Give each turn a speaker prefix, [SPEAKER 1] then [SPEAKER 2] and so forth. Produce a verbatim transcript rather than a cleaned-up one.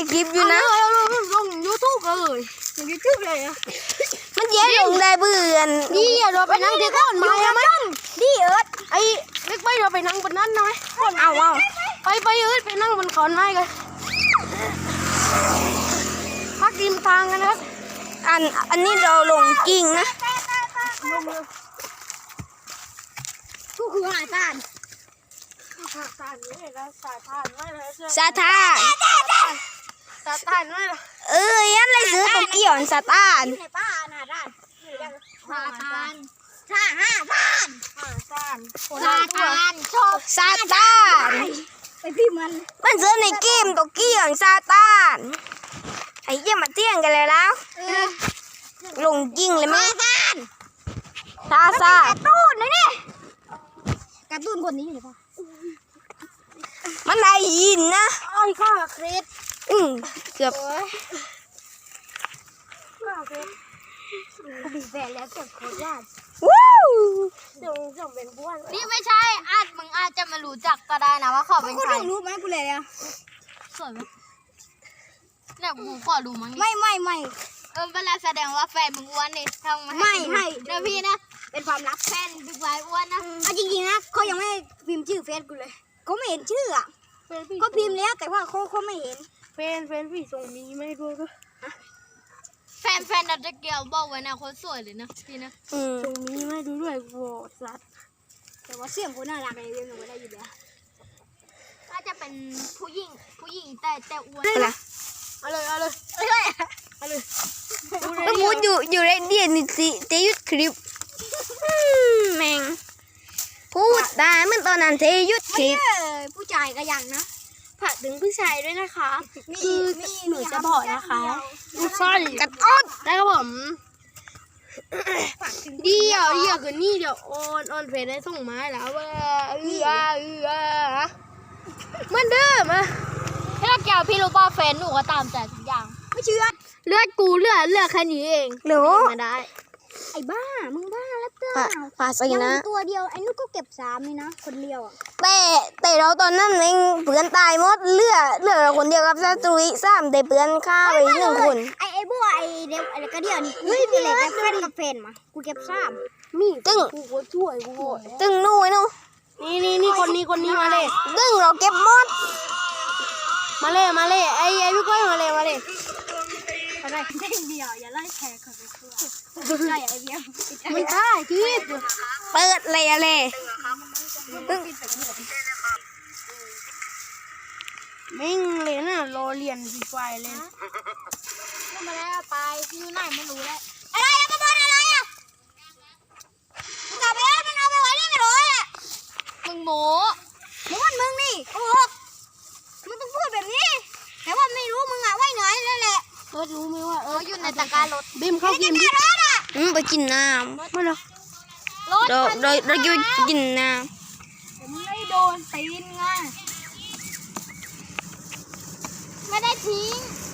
[SPEAKER 1] คลิปอยู่นะ
[SPEAKER 2] ลงยูทูบเลยลงยูทูบเลยอ่ะ
[SPEAKER 1] มันเยอะลงได้เบื่อ
[SPEAKER 2] นี่เราไปนั่งที่ก้อนไม้ไหมดีเอิร์ดไอ้เล็กไปเราไปนั่งบนนั้นหน่อย
[SPEAKER 1] เอาเอา
[SPEAKER 2] ไปไปเอิร์ดไปนั่งบนขอนไม้กันพักริมทางกันนะครับ
[SPEAKER 1] อันอันนี้เราลงกิ่งนะ
[SPEAKER 2] ทุกคือหาทานหาทานนี่แล้วสาทานไม่เลย
[SPEAKER 1] สาทาน
[SPEAKER 2] สาทานไม่เลย
[SPEAKER 1] เอ้ยยันเลยซื้อตัวเกี่ยวสาทาน
[SPEAKER 2] ในป้าหน้าด้านสาทานสาห้าทานหาทานสาทานชอบ
[SPEAKER 1] สาทาน
[SPEAKER 2] ไปพี่มัน
[SPEAKER 1] มันซื้อในเกมตัวเกี่ยวสาทานไอ้เยี่ยมาเตี้ยงกันเลยแล้วลงกิ่งเลยมั้ยซาซา
[SPEAKER 2] การ์ตูนเลยนี่การ์ตูนคนนี้อยู่ป่ะ
[SPEAKER 1] มันได้ยินนะ
[SPEAKER 2] ไอ้ข้าเครด
[SPEAKER 1] อืมเกือบ
[SPEAKER 2] ข้าเครดกูบีบแบนแล้วเก็บโคตรยาก
[SPEAKER 1] ว้าว
[SPEAKER 2] จงจงเป็นบ้วน
[SPEAKER 3] นี่ไม่ใช่อาจมึงอาจจะมารู้จักก็ได้นะว่าเขาเป็นใคร
[SPEAKER 2] รู้ไหมกูเลยอ่ะ
[SPEAKER 3] สวยไหมเนี่ยกูขอดูมั้ง
[SPEAKER 2] ไม่ไม่ไม่
[SPEAKER 3] เออเวลาแสดงว่าแฟนมึงอ้วนนี่ทำมา
[SPEAKER 2] ไม่ให้
[SPEAKER 3] เดี๋ยวพี่นะ
[SPEAKER 2] เป็นความลับ
[SPEAKER 3] แฟนบิ๊กไบอ้วนนะ
[SPEAKER 2] อ่ะจริงๆนะเขายังไม่พิมพ์ชื่อเฟซกูเลยเขาไม่เห็นชื่ออ่ะก็พิมพ์แล้วแต่ว่าเขาเขาไม่เห็น
[SPEAKER 1] เฟนเฟนพี่ส่งมีไม่ดูก็
[SPEAKER 3] แฟนแฟนดัตเกียวบอกไว้นะเขาสวยเลยนะพี่นะ
[SPEAKER 1] ส่งมีไม่ดูด้วยโวสัต
[SPEAKER 2] แต่ว่าเสียงคนน่ารักเลยเรียนหนูได้อยู่แล้ว
[SPEAKER 3] น่าจะเป็นผู้หญิงผู้หญิงแต่แต่อ้วน
[SPEAKER 1] นะ
[SPEAKER 2] เอาเลยเอาเลย
[SPEAKER 3] เอาเลย
[SPEAKER 2] เอาเลย
[SPEAKER 1] ต้องพูดอยู่อยู่ในเดียนนี่สิจะยุดคลิปแม่งพูดได้เมื่อตอนนั้นจะยุดคลิป
[SPEAKER 2] ผู้ชายก็ยังนะ
[SPEAKER 1] ผัดถึงผู้ชายด้วยนะคะ
[SPEAKER 2] คือหนูจะบอกนะคะ
[SPEAKER 1] ผู้ชายกัดอ้อน
[SPEAKER 2] ได้ครับผมเดี๋ยวเดี๋ยวคืนนี้เดี๋ยวโอนโอนเฟซได้ส่งมาแล้วว่าเออเออเหมือนเดิมอ่ะ
[SPEAKER 3] พี่ละแก้วพี่รู้ป่ะแฟนหนูก็ตามใจทุกอย่าง
[SPEAKER 2] ไม่เชื่อ
[SPEAKER 3] เลือดกูเลือดเลือดแค่นี้เอง
[SPEAKER 1] หนู
[SPEAKER 2] มาได้ไอ้บ้ามึงบ้าแล้วเต้า
[SPEAKER 1] ปาสินะ
[SPEAKER 2] ตัวเดียวไอ้นุ๊กก็เก็บสามนี่นะคนเดียวอ่ะ
[SPEAKER 1] แต่แต่เราตอนนั้นเองเพื่อนตายหมดเลือดเลือดเราคนเดียวกับซาตุยสามแต่เพื่อนฆ่าไปหนึ่งคน
[SPEAKER 2] ไอ้ไอ้บัวไอ้เด็กไอ้กระเดียวนี่เฮ้ยพี่เล็กกับเฟนกับเฟนมากูเก็บสาม
[SPEAKER 1] มีตึ้ง
[SPEAKER 2] กูก็ช่วยกู
[SPEAKER 1] ตึ้งนู่นนู่
[SPEAKER 2] นี่นี่นี่คนนี้คนนี้มาเลย
[SPEAKER 1] ตึ้งเราเก็บหมด
[SPEAKER 2] มาเลยมาเลยไอ้ไอ้พี่ก้อยมาเลยมาเลยอะไรเด้งเดียวอย่าไล่แชร์คนไปทั่วใช่ไอ้เดียวไม่ได้คิด
[SPEAKER 1] เปิดเลยอะไร
[SPEAKER 2] ตึ้งมิ่งเลยนะรอเรียนดีไฟเลย
[SPEAKER 3] มาแล้วไปอยู่ไหนไม่รู้แล้ว
[SPEAKER 2] อะไรอะมาบอลอะไรอะมึงกลับไปแล้วมันเอาไปไว้นี่ไม่รู้เลย
[SPEAKER 3] มึงโม
[SPEAKER 2] มึงวันมึงนี่โอ้โหมึงต้องพูดแบบนี้แต่ว่าไม่รู้มึงอะไว้ไหนนั่นแหละ
[SPEAKER 3] เออรู้ไหมว่าเอออยู่ในตะกร้ารถ
[SPEAKER 2] บิมเข้ากินบิม
[SPEAKER 1] อืมไปกินน้ำ
[SPEAKER 2] มาเลย
[SPEAKER 1] โดยโดยเราจะกินน้
[SPEAKER 2] ำไม่โดนตีนไง
[SPEAKER 3] ไม่ได้ทิ้ง